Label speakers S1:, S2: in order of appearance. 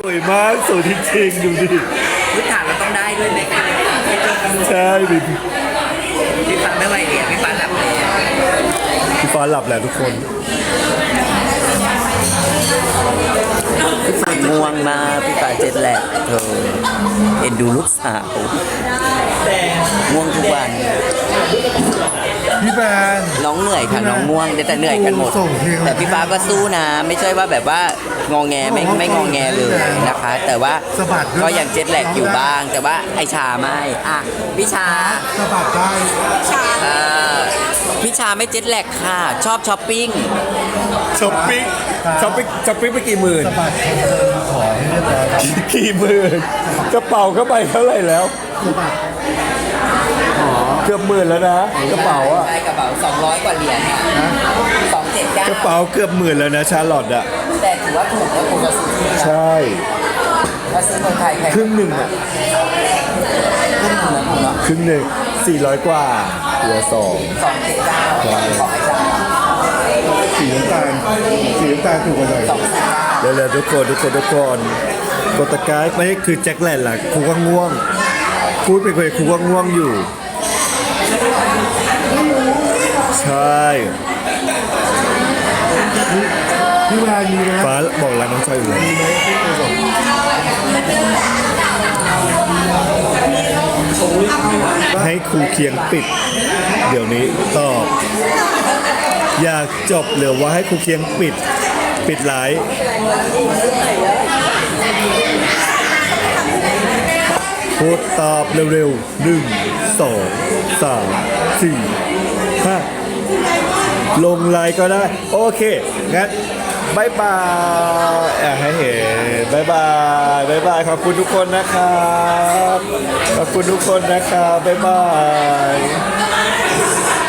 S1: สวยมากสวยจริงๆดูดิ
S2: พื้นฐานเราต้องได้ด้วยไหมคะ
S1: ใช่ดิ
S2: พี่ฟังไม่ไหวเดี๋ยวพี่ฟังหลับเลย
S1: พี่ฟ้าหลับแหละทุกคน
S2: พี่ฟังง่วงมากพี่ฟังเจ็ดแหลกเธอเอ็นดูลูกสาวง่วงทุกวัน
S3: พี่แบน
S2: น้องเหนื่อยค่ะน้องง่วงแต่เหนื่อยกันหมด
S3: ส่งเพลง
S2: แต่พี่ฟ้าก็สู้นะ ไม่ใช่ว่าแบบว่างอแงไม่งอแงเลยนะคะ แต่ว่าก็ยังเจ็ดแหลกอยู่บ้าง แต่ว่าไอชาไม่อ่ะพี่ชา
S3: สะบัดได้
S2: เอ่อพี่ชาไม่เจ็ดแลกค่ะ ชอบช้อปปิ้ง
S1: ช้อปปิ้งไปกี่หมื่น
S3: สะบัดขอให้เรียบร้อย
S1: กี่หมื่นกระเป๋าเข้าไปเท่าไหร่แล้ว
S3: สะบัด
S1: เกือบหมื่นแล้วนะกระเป๋าอะ
S2: ใช่กระเป๋า200 กว่าเหรียญอ่ะ279
S1: กระเป๋าเกือบหมื่นแล้วนะชาร์ลอตอะ
S2: แต่ถือว่าถูกแล้วคุณจะซื้อที่นะ
S1: ใช่
S2: ถ้าซื้อเมืองไทยแพง
S1: ครึ่งหนึ่งอะ
S2: ขึ้นหนึ่งนะคุณเนาะ
S1: ครึ่งหนึ่ง400 กว่าเหลือ2
S2: 279ของไอ้ชา
S3: สีน้ำตาลถูกกว่าหน่อย
S1: เร็วๆทุกคนกดตะกร้าไม่ใช่คือแจ็คแลนด์ล่ะครูก็ง่วงพูดไปคุยครูก็ง่วงอยู่ ใช่
S3: พี่แบนมีนะ
S1: ฟ้าบอกร้านน้องชายอยู่เลยให้ครูเคียงปิด เดี๋ยวนี้ตอบ อยากจบหรือว่าให้ครูเคียงปิดไลฟ์พูดตอบเร็วๆ1 2 3 4 5ลงไลน์ก็ได้ โอเค งั้นบายบายให้เห็นบายบายขอบคุณทุกคนนะครับ ขอบคุณทุกคนนะครับบายบาย